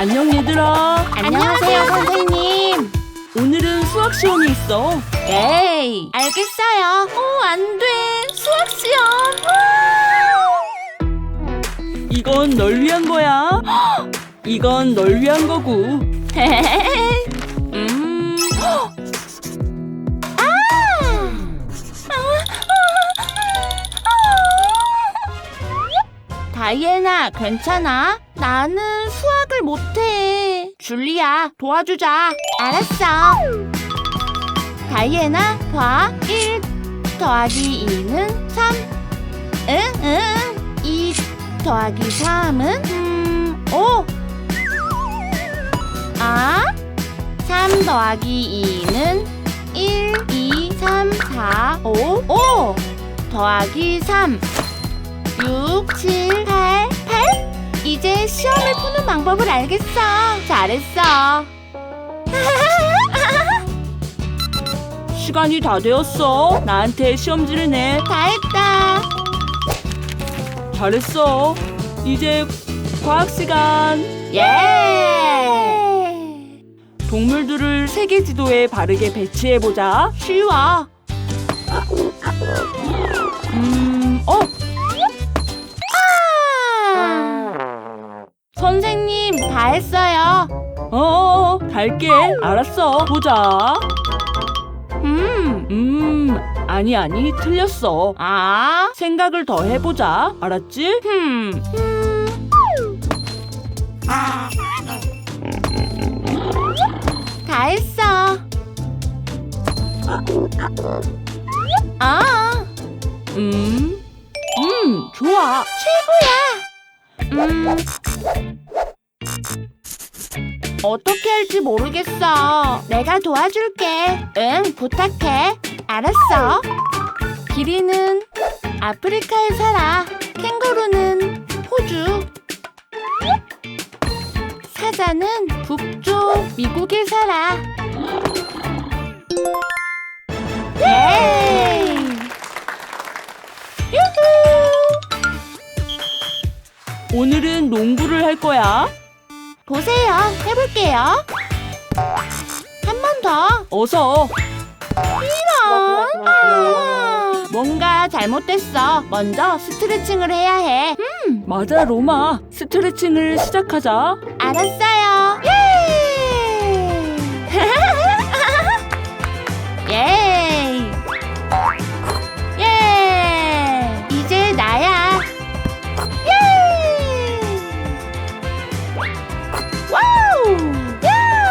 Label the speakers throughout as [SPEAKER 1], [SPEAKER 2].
[SPEAKER 1] 안녕 얘들아.
[SPEAKER 2] 안녕하세요, 선생님.
[SPEAKER 1] 오늘은 수학 시험이 있어.
[SPEAKER 2] 에이, 알겠어요. 안 돼. 수학 시험.
[SPEAKER 1] 이건 널 위한 거야. 이건 널 위한 거고.
[SPEAKER 2] 다이애나, 괜찮아? 나는 수학을 못해. 줄리아, 도와주자. 알았어. 다이애나, 봐. 1 더하기 2는 3. 응. 2 더하기 3은 5. 3 더하기 2는 1, 2, 3, 4, 5. 5 더하기 3. 6, 7, 8. 이제 시험을 푸는 방법을 알겠어. 잘했어.
[SPEAKER 1] 시간이 다 되었어. 나한테 시험지를 내.
[SPEAKER 2] 다 했다.
[SPEAKER 1] 잘했어. 이제 과학 시간.
[SPEAKER 2] 예!
[SPEAKER 1] 동물들을 세계 지도에 바르게 배치해 보자.
[SPEAKER 2] 쉬워. 선생님, 다 했어요.
[SPEAKER 1] 갈게. 알았어. 보자. 아니, 틀렸어. 생각을 더 해보자. 알았지?
[SPEAKER 2] 다 했어.
[SPEAKER 1] 좋아.
[SPEAKER 2] 최고야. 어떻게 할지 모르겠어. 내가 도와줄게. 응, 부탁해. 알았어. 기린은 아프리카에 살아. 캥거루는 호주. 사자는 북쪽 미국에 살아. 예! 유후!
[SPEAKER 1] 오늘은 농구를 할 거야.
[SPEAKER 2] 보세요. 해볼게요. 한 번 더.
[SPEAKER 1] 어서.
[SPEAKER 2] 이런. 뭔가 잘못됐어. 먼저 스트레칭을 해야 해.
[SPEAKER 1] 맞아, 로마. 스트레칭을 시작하자.
[SPEAKER 2] 알았어요. 예! 예! 예! 이제 나야. 예! 와우! 야!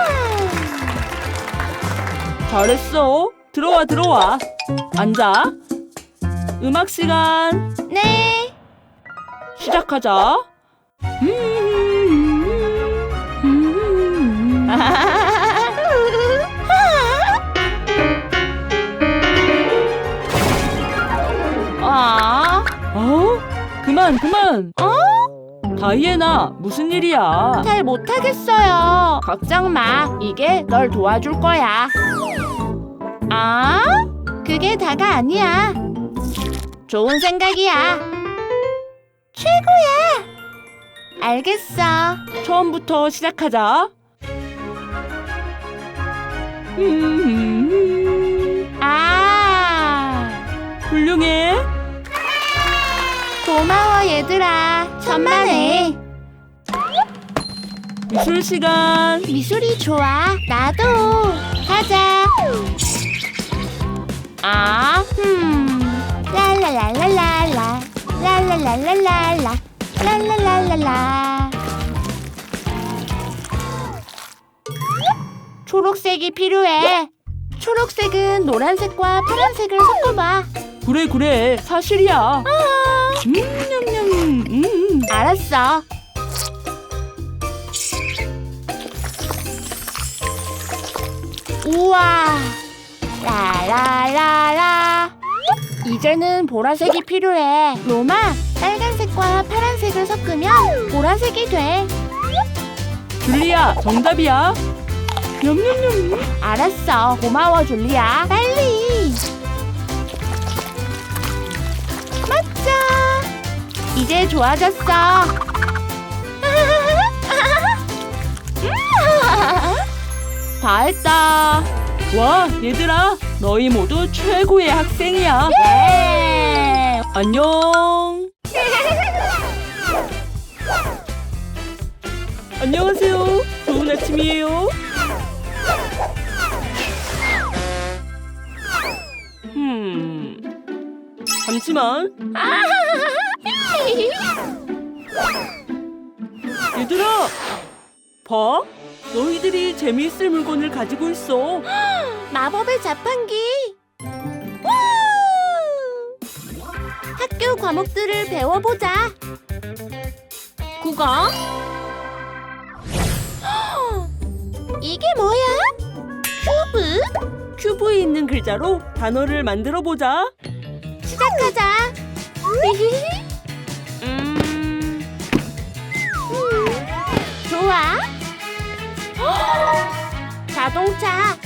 [SPEAKER 1] 잘했어. 들어와. 앉아. 음악 시간.
[SPEAKER 2] 네.
[SPEAKER 1] 시작하자. 그만. 다이애나, 무슨 일이야?
[SPEAKER 2] 잘 못하겠어요. 걱정 마. 이게 널 도와줄 거야. 그게 다가 아니야. 좋은 생각이야. 최고야. 알겠어.
[SPEAKER 1] 처음부터 시작하자. 훌륭해.
[SPEAKER 2] 고마워, 얘들아. 천만에.
[SPEAKER 1] 미술 시간.
[SPEAKER 2] 미술이 좋아. 나도. 가자. 랄랄랄랄랄라. 랄랄랄랄랄라. 랄랄랄랄라. 초록색이 필요해. 초록색은 노란색과 파란색을 섞어봐.
[SPEAKER 1] 그래. 사실이야.
[SPEAKER 2] 알았어. 우와. 라라라라. 이제는 보라색이 필요해. 로마, 빨간색과 파란색을 섞으면 보라색이 돼.
[SPEAKER 1] 줄리아, 정답이야. 냠냠냠.
[SPEAKER 2] 알았어. 고마워, 줄리아. 빨리. 맞자. 이제 좋아졌어. 다 했다.
[SPEAKER 1] 와, 얘들아, 너희 모두 최고의 학생이야.
[SPEAKER 2] 예!
[SPEAKER 1] 안녕. 안녕하세요. 좋은 아침이에요. 잠시만. 얘들아, 봐. 너희들이 재미있을 물건을 가지고 있어.
[SPEAKER 2] 마법의 자판기. 우! 학교 과목들을 배워보자. 국어. 이게 뭐야? 큐브?
[SPEAKER 1] 큐브에 있는 글자로 단어를 만들어 보자.
[SPEAKER 2] 시작하자. 좋아. 자동차.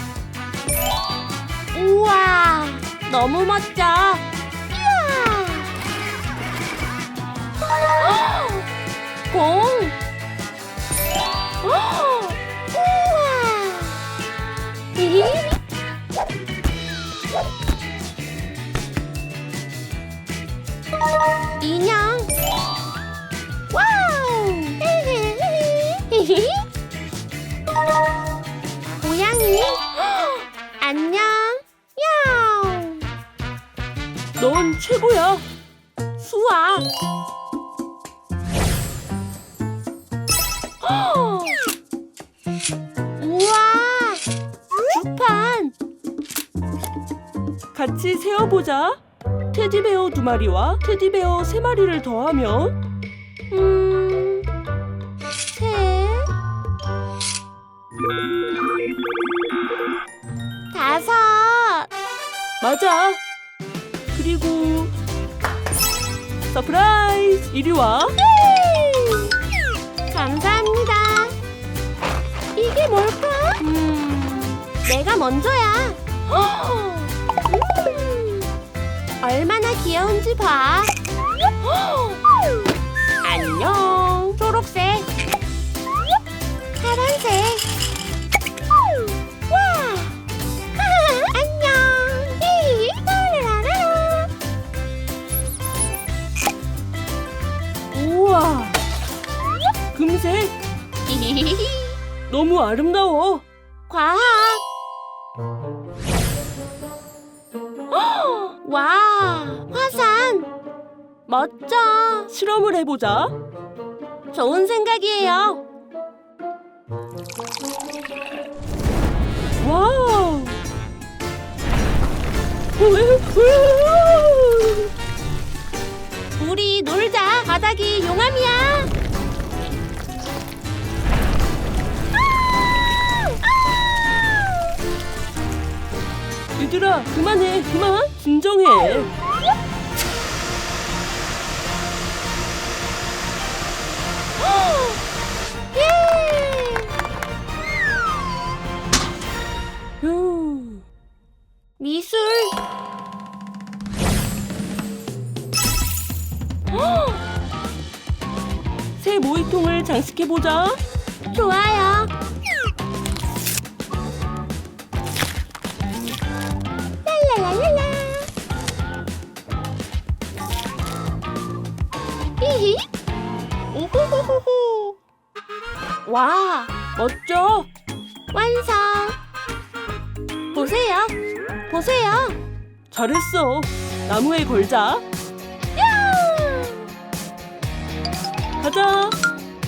[SPEAKER 2] 우와, 너무 멋져. 이야. 공. 우와. 인형. 와우. 고양이. 안녕. 야옹.
[SPEAKER 1] 넌 최고야.
[SPEAKER 2] 수아. 우와. 주판.
[SPEAKER 1] 같이 세어보자. 테디베어 2마리와 테디베어 3마리를 더하면
[SPEAKER 2] 셋. 5.
[SPEAKER 1] 맞아. 그리고 서프라이즈! 이리 와.
[SPEAKER 2] 감사합니다. 이게 뭘까? 내가 먼저야. 얼마나 귀여운지 봐. 안녕. 초록색. 파란색. 와. 안녕. 라라라라.
[SPEAKER 1] 우와. 금색. 너무 아름다워.
[SPEAKER 2] 과학. 와, 화산. 멋져.
[SPEAKER 1] 실험을 해보자.
[SPEAKER 2] 좋은 생각이에요.
[SPEAKER 1] 와우.
[SPEAKER 2] 우리 놀자. 바닥이 용암이야.
[SPEAKER 1] 얘들아, 그만해. 그만. 진정해.
[SPEAKER 2] 예!
[SPEAKER 1] 휴.
[SPEAKER 2] 미술.
[SPEAKER 1] 새 모이통을 장식해보자.
[SPEAKER 2] 좋아요. 랄랄랄랄라. 히히. 우후후후후. 와,
[SPEAKER 1] 멋져.
[SPEAKER 2] 완성. 보세요. 보세요.
[SPEAKER 1] 잘했어. 나무에 걸자. 가자.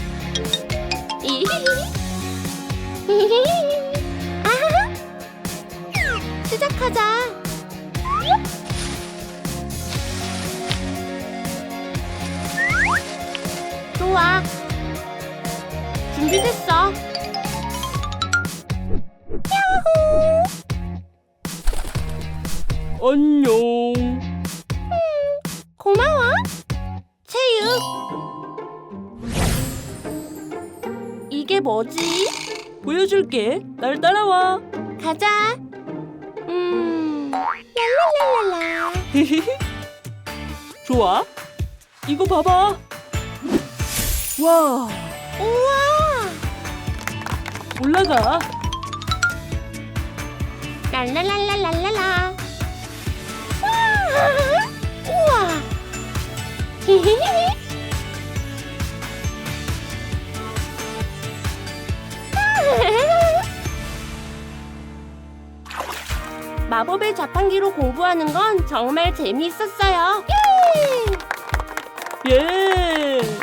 [SPEAKER 2] 아하하. 시작하자. 좋아. 준비됐어. 야호.
[SPEAKER 1] 안녕.
[SPEAKER 2] 고마워. 체육. 이게 뭐지?
[SPEAKER 1] 보여줄게. 날 따라와.
[SPEAKER 2] 가자. 랄랄랄랄라.
[SPEAKER 1] 좋아. 이거 봐봐. 와.
[SPEAKER 2] 우와.
[SPEAKER 1] 올라가.
[SPEAKER 2] 랄랄랄랄랄랄라. 우와. 마법의 자판기로 공부하는 건 정말 재미있었어요. 예!
[SPEAKER 1] 예.